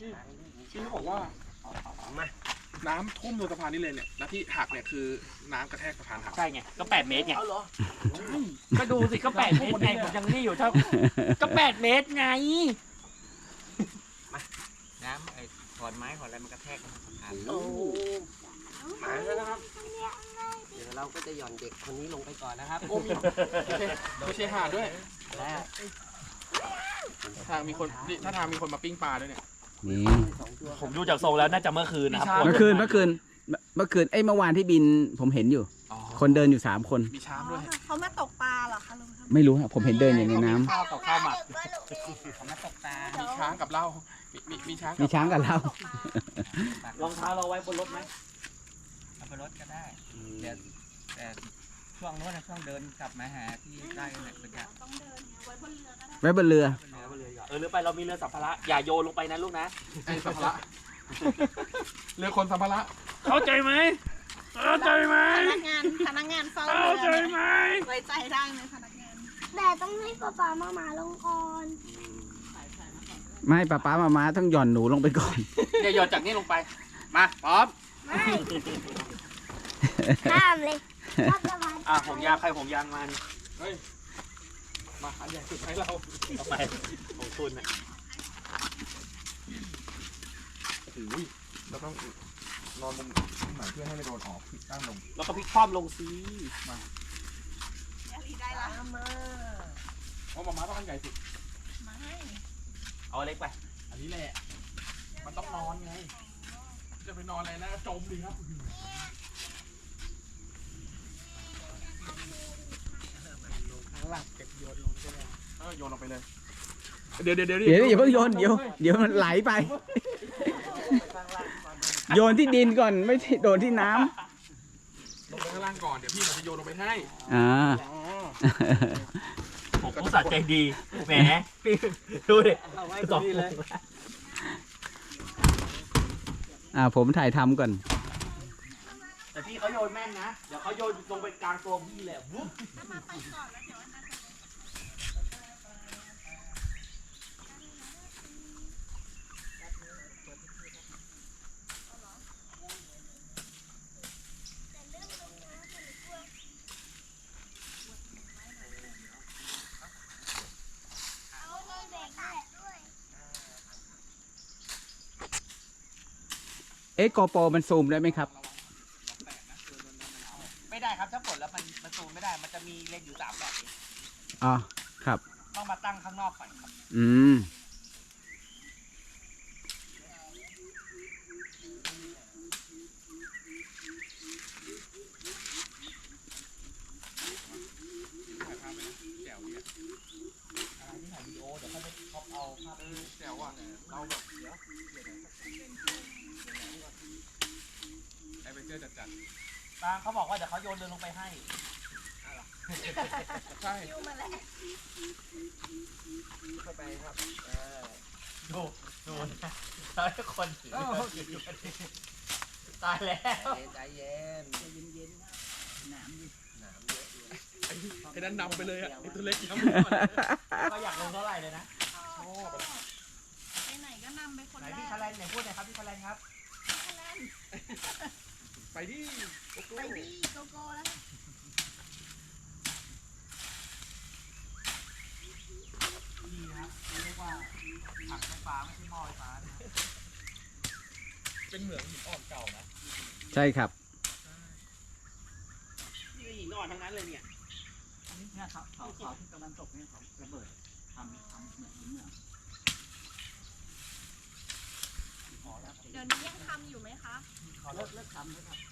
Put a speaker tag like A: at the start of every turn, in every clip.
A: ที่เขาบอกว่าน้ำท่วมบนสะพานนี่เลยเนี่ยแล้วที่หักเนี่ยคือน้ำกระแทกสะพานหัก
B: ใช่ไงก็8 เมตรไงก็ดูสิก็8 เมตรไงผมยังนี่อยู่เท่าก็8 เมตรไง
C: น้ำไอ้ขอนไม้ขอนอะไรมันกระแทกสะพาน
A: โอ้หายแล้วนะครับ
C: เดี๋ยวเราก็จะหย่อนเด็กคนนี้ลงไปก่อนนะครับ
A: โอ้มีไม่ใช่หาดด้วยทางมีคนถ้าทางมีคนมาปิ้งปลาด้วยเนี่ย
D: นี่
B: ผมดูจากทรงแล้วน่าจะเมื่อคืนนะครับ
D: เมื่อคืนเมื่อวานที่บินผมเห็นอยู่ คนเดินอยู่3 คน
A: มีช้างด้วย
E: เขามาตกปลาเหรอคะลุงครับ
D: ไม่รู้ครับผมเห็นเดินอยู่ในน้ำ
B: ข้าวกับข้าวหมัก
C: เขามาตกปลา
A: มีช้างกับเหล้ามีช้าง
D: มีช้างกับเรา
B: รองเท้าเราไว้บนรถไหม
C: เอาไปรถก็ได้แต่ช่วงโน้นนะช่วงเดินกลับมาหาที่ได้เนี่ยเป็นอย่าง
E: ต้องเดินไว้บนเรือก็ได้
D: ไว้บนเรือ
B: หรือไปเรามีเรือสัมภาระอย่าโยนลงไปนะลูกนะ
A: ไอ้สัมภาระเรือคนสัมภาระ
B: เข้าใจไหมเข้าใจไหม
E: พนักงานเฝ้า
B: เข้าใจ
E: เรือ
B: ไหม
E: ไว้ใจได้ไหมพนักงาน
F: แต่ต้องให้ป๊ามาลงก่อน
D: ไม่ป้ามาต้องหย่อนหนูลงไปก่อน
A: เดี๋ยวหยอดจากนี้ลงไปมาพร้อม
F: ข้ามเลยข้ามสะพาน
B: ผมยางใครผมยางมัน
A: เฮ้ยมาอันใหญ่สุดให้เรา
B: ทำไมของคุณน่ะ
A: โอ้ยเราต้องนอนมุมไหนเพื่อให้ไม่โดนออกตั้งลง
B: แล้วก็พลิกคว่ำลงซี
E: ได้ละ
A: เพราะมาต้องอันใหญ่สุด
B: เอาเล็กไป
A: อันนี้แหละมันต้องนอนไงจะไปนอนอะไรนะจมดีครับหลับเก็บโยนลงใช่ไหมโยนลงไปเลยเดี๋ยว
D: อย่าเพิ่งโยนเดี๋ยวมันไหลไป โยนที่ดินก่อนไม่ใช่โดนที่น้ำ
A: ลงไปข้างล่างก่อนเดี๋ยวพี่มันจะโยนลงไปให้
B: ผมผู้สัตว์ใจดีแหมพี่ดูดิ
C: เอาไว้ตรงนี้เลย
D: ผมถ่ายทำก่อน
B: แต่พี่เขาโยนแม่นนะเดี๋ยวเขาโยนลงไปกลางตัวพี่แหละวุ๊บ
D: โกโปรมันซูมได้ไหมครับ
C: ไม่ได้ครับถ้าปลดแล้วมันซูมไม่ได้มันจะมีเลนส์อยู่3 แบบเอง
D: อ๋อครับ
C: ต้องมาตั้งข้างนอกก่อนครับ
D: อืม
A: แจ๋วเนี่ยแจ๋วอ่ะเราแบบไอ้ไปเจอจัด
B: ตางเขาบอกว่าเดี๋ยวเขาโยนเรือลงไปให้
A: ใช่
C: เข้าไปครับ
B: ดูนะแล้วคนถือตายแล้ว
C: ใจเย็น
A: ไอ้นั่นนำไปเลยอ่ะไอ้ตัวเล็กนำ
B: ก็อยากลงเท่าไหร่เลยนะ
A: ชอบอะ
E: ไปไหนก็นำไปคน
B: ไหน
E: แร
B: พี่
E: ก
B: คาแรนไหนพูดหน่อยครับพี่คาแรนครับ
A: ไปดิโกโก้
E: ไปดีโกโก้แล้ว
B: นี่ครับเรียกว่าถังไฟฟ้าไม่ใช่หม้อไฟฟ้านะ
A: เป็นเหมืองหินอ่อนเก่านะ
D: ใช่ครับ
B: นี่หินอ่อนทั้งนั้นเลยเนี่ย
C: เนี่ยเขาที่ตะวันตกเนี่ยเขาระเบิดทำเหมือนหินเหมือง
E: เดี๋ยวนี้ยังทำอยู่ไหมคะ
C: เขาเลิกทำแล้วครับ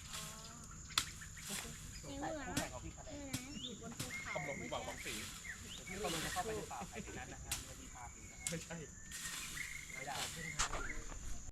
F: ในเหมือง
E: อยู่บนภูเขา
A: ตำรวจมีบอกบางสี
B: ที่เราลงจะเข้าไปในป่าไผ่ที่นั้นนะฮะจะมีป่าสีนะ
A: ไม่ใช่